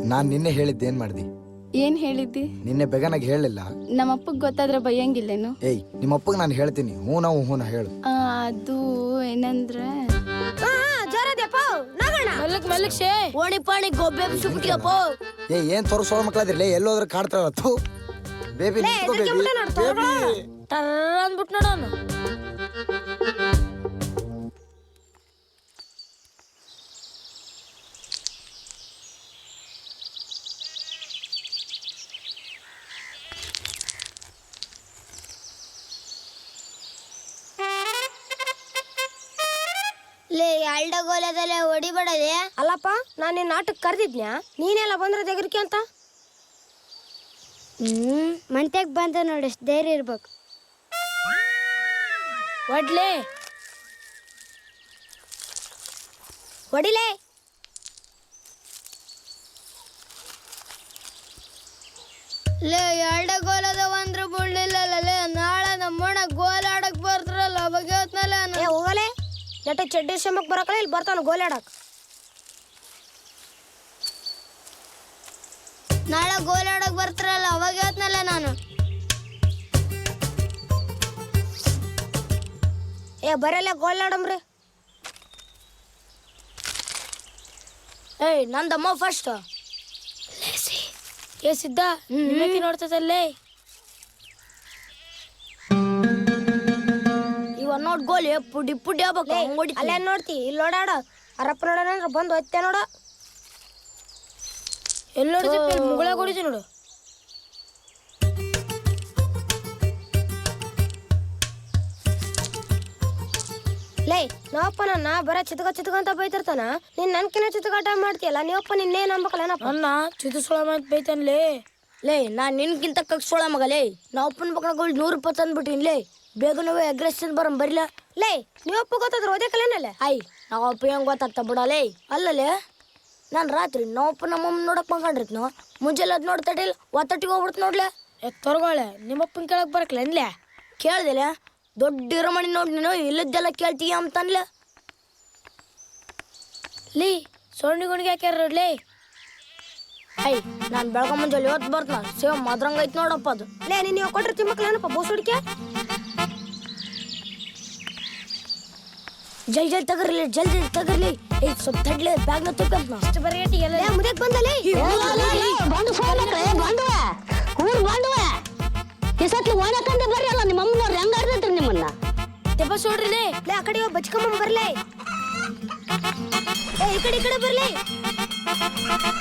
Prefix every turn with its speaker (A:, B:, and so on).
A: ನಾನ್ ನಿನ್ನೆ ಹೇಳಿದ್ದೇನ್ ಮಾಡ್ದಿ?
B: ಏನ್ ಹೇಳಿದ್ದಿ?
A: ನಿನ್ನೆ ಬೆಗನಾಗ ಹೇಳಿಲ್ಲ.
B: ನಮ್ಮಪ್ಪಗ್ ಗೊತ್ತಾದ್ರೆ ಬೈಯಂಗಿಲ್ಲೇನು?
A: ಏಯ್ ನಿಮ್ಮಪ್ಪಗ್ ನಾನು ಹೇಳ್ತೀನಿ. ಹೂನ ಹೇಳು.
B: ಅದು ಏನಂದ್ರೆ
C: ಓಣಿ ಪಾಣಿ ಗೊಬ್ಬೆ ಬಿಸಿಬಿಟ್ಟಿಯಪ್ಪ.
A: ಏನ್ ತೋರಿಸೋ ಮಕ್ಳಾದ್ರಲ್ಲ ಎಲ್ಲೋದ್ರ ಕಾಡ್ತಾರ ಬೇಬಿ
C: ಅಂದ್ಬಿಟ್ಟು ನೋಡೋಣ.
D: ಲೇ ಅಲ್ಡಗೋಲದಲ್ಲೇ ಹೊಡಿಬೇಡದೆ.
C: ಅಲ್ಲಪ್ಪ ನಾನು ನಿನ್ನ ಆಟಕ್ಕೆ ಕರೆದಿದ್ನ್ಯಾ, ನೀನೆಲ್ಲ ಬಂದ್ರೆ ತೆಗರಿಕೆ ಅಂತ.
D: ಮಂತ್ಯಾಗ ಬಂದ ನೋಡಿ, ಧೈರ್ಯ ಇರ್ಬೇಕು.
C: ಹೊಡ್ಲೆ ಹೊಡಿಲೇ.
D: ಲೇ ಅಲ್ಡಗೋಲದ ಒಂದ್ರ ಬುಳ್ಳಿಲ್ಲ. ನಾಳೆ ನಮ್ಮಣ್ಣ ಗೋಲ್ ಆಡಕ್ ಬರ್ತಾರಲ್ಲ ಅವಾಗ
C: ಏ ಹೋಗಲೇ, ನೆಟ್ಟ ಚಡ್ಡಿ ಶ್ರಮಕ್ಕೆ ಬರಕಲ್ಲ, ಇಲ್ಲಿ ಬರ್ತಾನ ಗೋಲಾಡಕ್.
D: ನಾಳೆ ಗೋಲ್ ಆಡಕ್ ಬರ್ತಾರಲ್ಲ ಅವಾಗ ಹೇಳ್ತನಲ್ಲ ನಾನು.
C: ಏ ಬರಲ್ಲ ಗೋಲ್ ಆಡಮ್ರಿ. ಏಯ್ ನಂದಮ್ಮ ಫಸ್ಟ್. ಏ ಸಿದ್ಧ ನಿಮ್ಮಕ್ಕೆ ನೋಡ್ತದಲ್ಲೇ. ಇವ ನೋಡ್ ಗೋಲಿ ಪುಡಿ ಪುಡಿ ಆಗ್ಬೇಕು. ಅಲ್ಲೇ ನೋಡ್ತಿ, ಇಲ್ಲಿ ನೋಡಾಡ ಅರಪ್ಪ ನೋಡೋಣ ಬಂದು ಹೊತ್ತೆ ನೋಡ. ಎಲ್ಲಿ ನೋಡ್ತಿ ಮುಗಳ ಹೊಡಿತಿ ನೋಡು. ಲೇ ನಾವಪ್ಪ ನನ್ನ ಬರ ಚಿತ್ಕ ಅಂತ ಬೈತಿರ್ತಾನ. ನೀನ್ ನನ್ಕಿನ ಚಿತ್ಕಾಟ ಮಾಡ್ತೀಯಲ್ಲ, ನೀವಪ್ಪ ನಿನ್ನೇನ್ ಅನ್ಬೇಕಲ್ಲ. ನನ್ನ ಚಿತ್ರಸೋಳ ಅಂತ ಬೈತಾನ್ಲೇ. ಲೇ ನಾನ್ ನಿನ್ಗಿಂತ ಕಗ್ಸೋಳ ಮಗಲೇ. ನಾವಪ್ಪನ ಮಕ್ಕಳು 100 ಅಂದ್ಬಿಟ್ಟಿನ್ ಲೇ. ಬೇಗ ನಾವು ಅಗ್ರೆಷನ್ ಬರಿಲ್ಲ. ಲೇ ನೀವಪ್ಪ ಗೊತ್ತಾದ್ರೆ ಓದೇ ಕಲೇನಲ್ಲ. ಐ ನಾವಪ್ಪ ಹೆಂಗ್ ಗೊತ್ತಾಗ್ತಾ ಬಿಡಲೇ. ಅಲ್ಲಲೇ ನಾನು ರಾತ್ರಿ ನಾವಪ್ಪ ನಮ್ಮಮ್ಮ ನೋಡಕ್ ಮಲ್ಕೊಂಡಿರ್ತ, ಮುಂಜಾನೆ ಅದ್ ನೋಡ್ತಾಡಿಲ್ಲ ಒತ್ತಟ್ಟಿಗೆ ಹೋಗ್ಬಿಡ್ತು ನೋಡ್ಲೆ. ತೊರ್ಗೊಳೆ ನಿಮ್ಮಪ್ಪನ ಕೇಳಕ್ ಬರಕ್ಲ ಅನ್ಲೆ. ಕೇಳ್ದಿಲ್ಲ ದೊಡ್ಡ ಇರಮಣಿ ನೋಡಿ ನೀನು ಇಲ್ಲದ್ದೆಲ್ಲ ಕೇಳ್ತೀಯ ಅಂತನ್ಲೆ. ಲೀ ಸೊಣ್ಣಿ ಗುಣಿಗೆ ಹಾಕ್ಯಾರ ನೋಡ್ಲಿ. ಐ ನಾನು ಬೆಳಗ ಮುಂಜಾನೆ ಇವತ್ತು ಬರ್ತ ಸೇವ್ ಮದ್ರಂಗ ಐತ್ ನೋಡಪ್ಪ ಅದು. ಲೇ ನೀನು ಕೊಟ್ಟಿರ್ತಿ ಮಕ್ಳೇನಪ್ಪ ಬೋಸ್ ಹುಡುಕ್ಯ. ಜಲ್ದಿ ತಗರ್ಲಿ. ಏ ಸ್ವಲ್ಪ ತಡ್ಲಿ ಬ್ಯಾಗ್ನ ತುಕ್ಕಂತ ಅಷ್ಟು ಬರೀಟಿ ಎಲ್ಲ ಮುದಕ್ ಬಂದಲೇ.
E: ಇಸತ್ಲಿ ಓಣಕಂದ ಬರ್ರಿ ಅಲ್ಲ ನಿಮ್ಮ ಅಮ್ಮನವ್ರು ಹೆಂಗ ಆಡ್ತೈತ್ರಿ ನಿಮ್ಮನ್ನ.
C: ತೆಬ್ಬಸ್ ನೋಡ್ರಿ ಲೇ ಆ ಕಡೆ ಬಚ್ಕಮ್ಮ ಬರ್ಲೇ. ಏ ಈ ಕಡೆ ಬರ್ಲಿ.